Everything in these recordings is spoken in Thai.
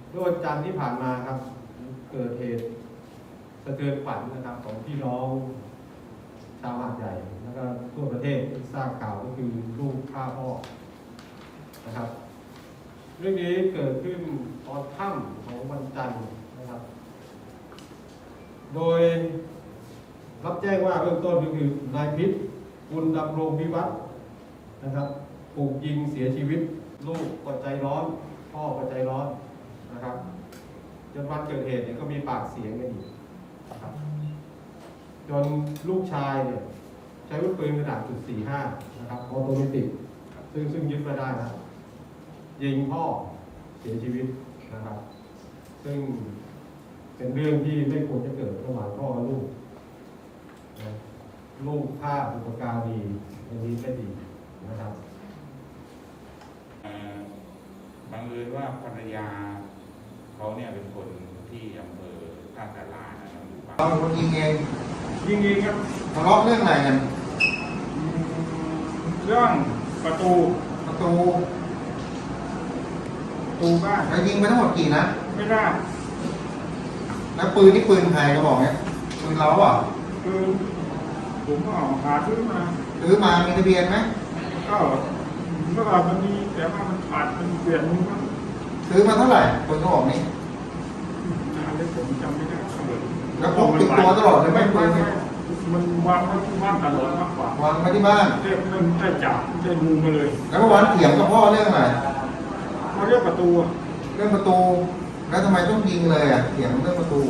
เมื่อวันจันทร์ที่ผ่านมาครับเกิดเหตุสะเทือนขวัญนะครับของพี่น้องชาวหาดใหญ่แล้วก็ทั่วประเทศที่ทราบข่าวก็คือลูกฆ่าพ่อนะครับเรื่องนี้เกิดขึ้นตอนค่ำของวันจันทร์นะครับโดยรับแจ้งว่าเบื้องต้นก็คือนายพิษบุญดำรงวิวัฒน์นะครับถูกยิงเสียชีวิตลูกก็ใจร้อนพ่อก็ใจร้อนนะครับจนวันเกิดเหตุเนี่ยก็มีปากเสียงกันอีกนะครับจนลูกชายเนี่ยใช้อาวุธปืนขนาด.45นะครับออโตเมติกซึ่งยึดมาได้นะยิงพ่อเสียชีวิตนะครับซึ่งเป็นเรื่องที่ไม่ควรจะเกิดระหว่างพ่อกับลูกนะลูกฆ่าบุพการีอันนี้ไม่ดีนะครับบังเอิญว่าภรรยาเขาเนี่ยเป็นคนที่อำเภอท่าสารานะครับเราเป็นคนยิงเองครับทะเลาะเรื่องอะไรกันเรื่องประตูบ้านแล้วยิงไปทั้งหมดกี่นัดไม่ได้แล้วปืนนี่ปืนใครก็บอกเนี่ยปืนเราอ่ะคือผมก็หาซื้อมามีทะเบียนไหมก็เมื่อก่อนมันมีแต่ว่ามันขาดมันเปลี่ยนมันซื้อมาเท่าไหร่ปืนก็บอกนี่อันนี้ผมจำไม่ได้แล้วพกติดตัวตลอดเลยไหมปืนเนี่ยมันวางไว้ที่บ้านตลอดมากกว่าวางไว้ที่บ้านมันได้จับได้ดูมาเลยแล้วเมื่อวานเถียงกับพ่อเรื่องอะไรเขาเรียกประตูเรื่องประตูแล้วทำไมต้องยิงเลยอ่ะเถียงเรื่องประตู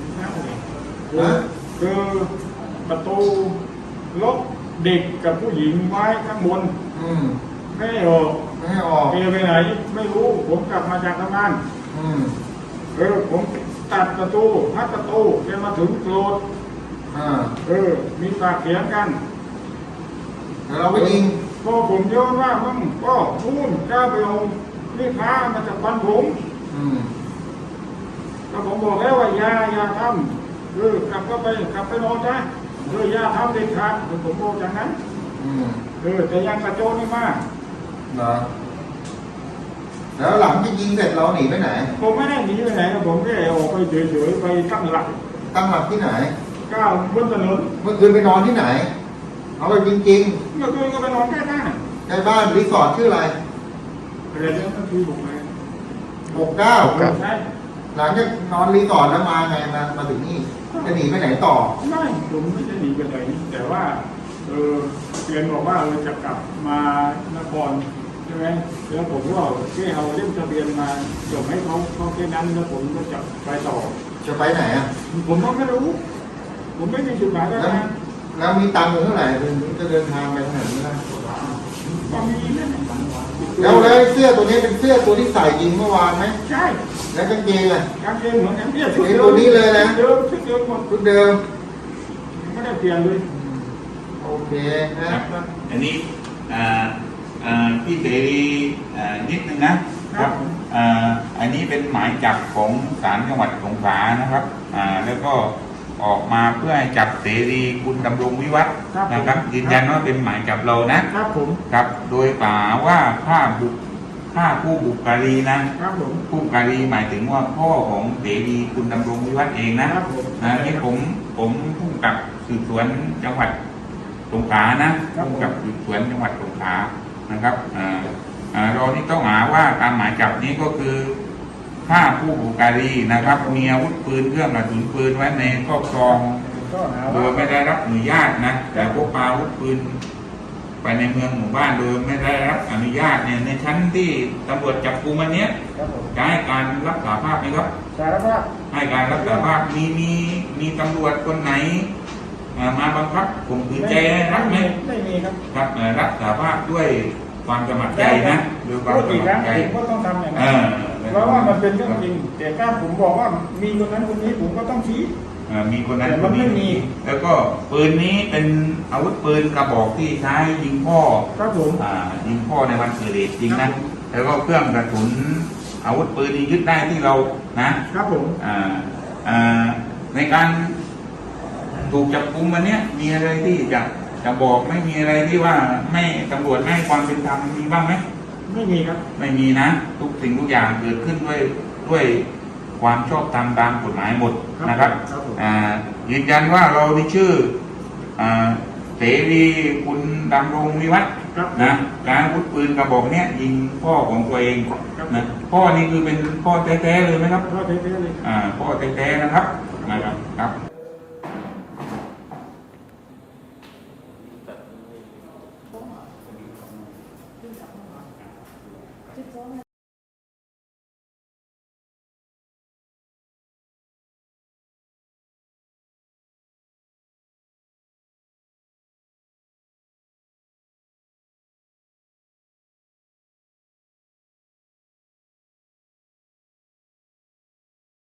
คือประตูล็อกเด็กกับผู้หญิงไว้ข้างบนไม่ให้ออกเอไปไหนไม่รู้ผมกลับมาจากทำงานผมตัดประตูพัดประตูแกมาถึงโกรธมีปากเสียงกันแล้วเราไปยิงก็ผมเยอะว่ามึงก็นู่นก้าวไปเอานี่พามาจากบ้านผมก็ผมบอกแล้วว่าอย่าทำกลับไปนอนนะอย่าทำเด็ดขาดผมบอกอย่างนั้นแต่ยังกระโจนไม่มากเหรอแล้วหลังที่ยิงเสร็จเราหนีไปไหนผมไม่ได้หนีไปไหนผมแค่ออกไปเฉยๆไปตั้งหลักที่ไหนก้าวบนถนนเมื่อคืนไปนอนที่ไหนเอาไปจริงเมื่อคืนก็ไปนอนใกล้บ้านรีสอร์ทชื่ออะไรเรื่องก็คือ 69ใช่หลังจากนอนรีสอร์ทแล้วมาไงมาถึงนี่จะหนีไปไหนต่อไม่ผมไม่จะหนีไปไหนแต่ว่าเรียนบอกว่าจะกลับมานครใช่ไหมแล้วผมก็แค่เอาเล่มทะเบียนมาส่งให้เขาแค่นั้นแล้วผมก็จะไปต่อจะไปไหนอ่ะผมก็ไม่รู้ผมไม่มีจุดหมายแล้วมีตังค์เท่าไหร่ถึงจะเดินทางไปขนาดนี้นะก็มีแล้วเสื้อตัวนี้เป็นเสื้อตัวที่ใส่ยิงเมื่อวานไหมใช่แล้วกางเกงอ่ะกางเกงเหมือนกันเนี่ยชุดตัวนี้เลยนะชุดเดิมหมดชุดเดิมไม่ได้เปลี่ยนเลยโอเคนะอันนี้พี่เสรีนิดนึงนะครับอันนี้เป็นหมายจับของศาลจังหวัดสงขลานะครับแล้วก็ออกมาเพื่อให้จับเสรีคุณดำรงวิวัฒน์นะครับยืนยันว่าเป็นหมายจับเรานะครับผมครับโดยกล่าวว่าฆ่าผู้บุกการีนะครับผู้การีหมายถึงว่าพ่อของเสรีคุณดำรงวิวัฒน์เองนะครับนี่ผมผู้กำกับสืบสวนจังหวัดสงขลานะผู้กำกับสืบสวนจังหวัดสงขลานะครับเราที่ต้องหาว่าตามหมายจับนี้ก็คือฆ่าผู้บุกการีนะครับมีอาวุธปืนเครื่องกระสุนปืนไว้ในครอบครองโดยไม่ได้รับอนุญาตนะแต่พกพาอาวุธปืนไปในเมืองหมู่บ้านโดยไม่ได้รับอนุญาตเนี่ยในชั้นที่ตำรวจจับกุมวันนี้จะให้การรับสารภาพไหมครับสารภาพให้การรับสารภาพมีตำรวจคนไหนมาบังคับข่มขืนใจรับไหมไม่มีครับครับรับสารภาพด้วยความสมัครใจนะด้วยความสมัครใจก็ต้องทำอย่างนั้นเพราะว่ามันเป็นเรื่องจริงแต่ถ้าผมบอกว่ามีคนนั้นคนนี้ผมก็ต้องชี้มีคนนั้นคนนี้แล้วก็ปืนนี้เป็นอาวุธปืนกระบอกที่ใช้ยิงพ่อครับผมยิงพ่อในวันเกิดเหตุจริงนะแล้วก็เครื่องกระสุนอาวุธปืนที่ยึดได้ที่เรานะครับผมในการถูกจับกุมวันนี้มีอะไรที่จะบอกไม่มีอะไรที่ว่าไม่ตำรวจไม่ให้ความเป็นธรรมมีบ้างไหมไม่มีครับไม่มีนะทุกสิ่งทุกอย่างเกิดขึ้นด้วยด้วยความชอบธรรมตามกฎหมายหมดนะครับครับผมยืนยันว่าเรามีชื่อเสรีคุณดำรงวิวัฒน์ครับนะการอาวุธปืนกระบอกเนี้ยยิงพ่อของตัวเองนะพ่อนี่คือเป็นพ่อแท้ๆเลยไหมครับพ่อเท่ๆเลยพ่อแท้ๆนะครับครับ